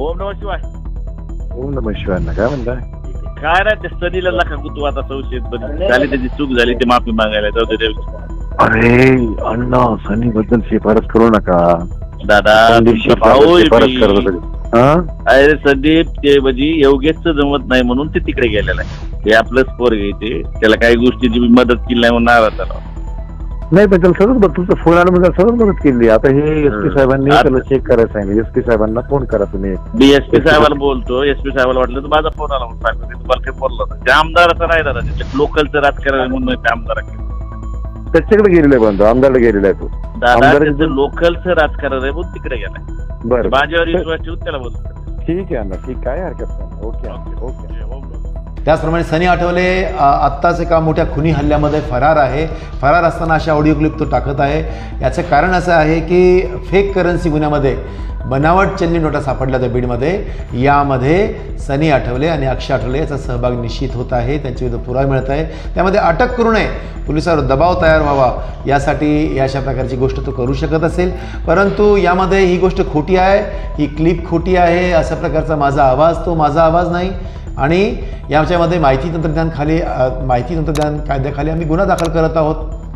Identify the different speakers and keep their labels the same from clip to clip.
Speaker 1: ओम नमः शिवाय.
Speaker 2: ओम नमः शिवाय. काय म्हणताय?
Speaker 1: काय नाही, ते सनीला नका तू आता संशयित झाली, त्याची चूक झाली, ते माफी मागायला जाऊ दे.
Speaker 2: अरे अण्णा, सनी बद्दल शिफारस करू नका
Speaker 1: दादा.
Speaker 2: भाऊ शिफारस करत होते.
Speaker 1: अरे संदीप, ते म्हणजे योगेशच जमत नाही म्हणून ते तिकडे गेलेलं आहे. ते आपलंच पोर घ्यायचे, त्याला काही गोष्टीची मदत केली नाही म्हणून नाराज झाला.
Speaker 2: नाही पण त्याला सगळंच बघ, तुमचा फोन आला म्हणजे सगळंच मदत केली. आता हे एसपी साहेबांनी त्याला चेक करायला सांगितलं. एसपी साहेबांना फोन करा तुम्ही.
Speaker 1: डीएसपी साहेबाला बोलतो. एसपी साहेबाला वाटलं तर माझा फोन आला म्हणून सांगतो. तुम्हाला काही बोललो नाही. त्या आमदाराचं नाही दादा, तिथे लोकलचं राजकारण म्हणून त्या आमदाराकडे
Speaker 2: त्याच्याकडे गेलेला आहे, पण आमदारला गेलेला आहे तो.
Speaker 1: दादा त्याचं लोकलचं राजकारण आहे म्हणून तिकडे गेलाय.
Speaker 2: बरं,
Speaker 1: माझ्यावर विश्वास ठेवून त्याला बोलतो.
Speaker 2: ठीक आहे अण्णा, ठीक, काय हरकत नाही. Okay okay.
Speaker 3: त्याचप्रमाणे सनी आठवले आत्ताच एका मोठ्या खुनी हल्ल्यामध्ये फरार आहे. फरार असताना अशा ऑडिओ क्लिप तो टाकत आहे. याचं कारण असं आहे की फेक करन्सी गुन्ह्यामध्ये बनावट चलनी नोटा सापडल्या त्या बीडमध्ये. यामध्ये सनी आठवले आणि अक्षय आठवले याचा सहभाग निश्चित होत आहे. त्यांच्याविरुद्ध पुरावा मिळत आहे. त्यामध्ये अटक करू नये, पोलिसांवर दबाव तयार व्हावा यासाठी अशा प्रकारची गोष्ट तो करू शकत असेल. परंतु यामध्ये ही गोष्ट खोटी आहे, ही क्लिप खोटी आहे. अशा प्रकारचा माझा आवाज तो माझा आवाज नाही. आणि याच्यामध्ये माहिती तंत्रज्ञान कायद्याखाली आम्ही गुन्हा दाखल करत आहोत.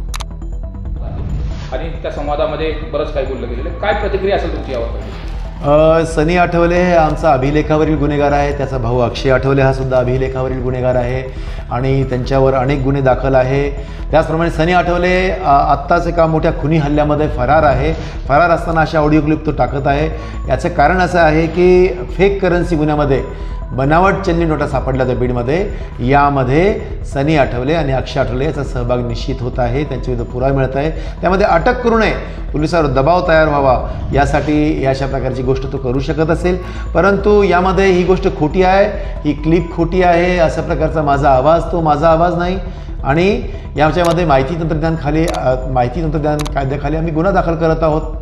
Speaker 4: आणि त्या संवादामध्ये बरंच काही बोललं गेलेलं. काय प्रतिक्रिया असेल तुमची यावर?
Speaker 3: सनी आठवले हे आमचा अभिलेखावरील गुन्हेगार आहे. त्याचा भाऊ अक्षय आठवले हा सुद्धा अभिलेखावरील गुन्हेगार आहे आणि त्यांच्यावर अनेक गुन्हे दाखल आहे. त्याचप्रमाणे सनी आठवले आत्ताच एका मोठ्या खुनी हल्ल्यामध्ये फरार आहे. फरार असताना अशा ऑडिओ क्लिप तो टाकत आहे. याचं कारण असं आहे की फेक करन्सी गुन्ह्यामध्ये बनावट चलनी नोटा सापडल्या त्या बीडमध्ये. यामध्ये सनी आठवले आणि अक्षय आठवले याचा सहभाग निश्चित होत आहे. त्यांच्याविरुद्ध पुरावा मिळत आहे. त्यामध्ये अटक करू नये, पोलिसांवर दबाव तयार व्हावा यासाठी अशा प्रकारची गोष्ट तो करू शकत असेल. परंतु यामध्ये ही गोष्ट खोटी आहे, ही क्लिप खोटी आहे. अशा प्रकारचा माझा आवाज तो माझा आवाज नाही. आणि याच्यामध्ये माहिती तंत्रज्ञान कायद्याखाली आम्ही गुन्हा दाखल करत आहोत.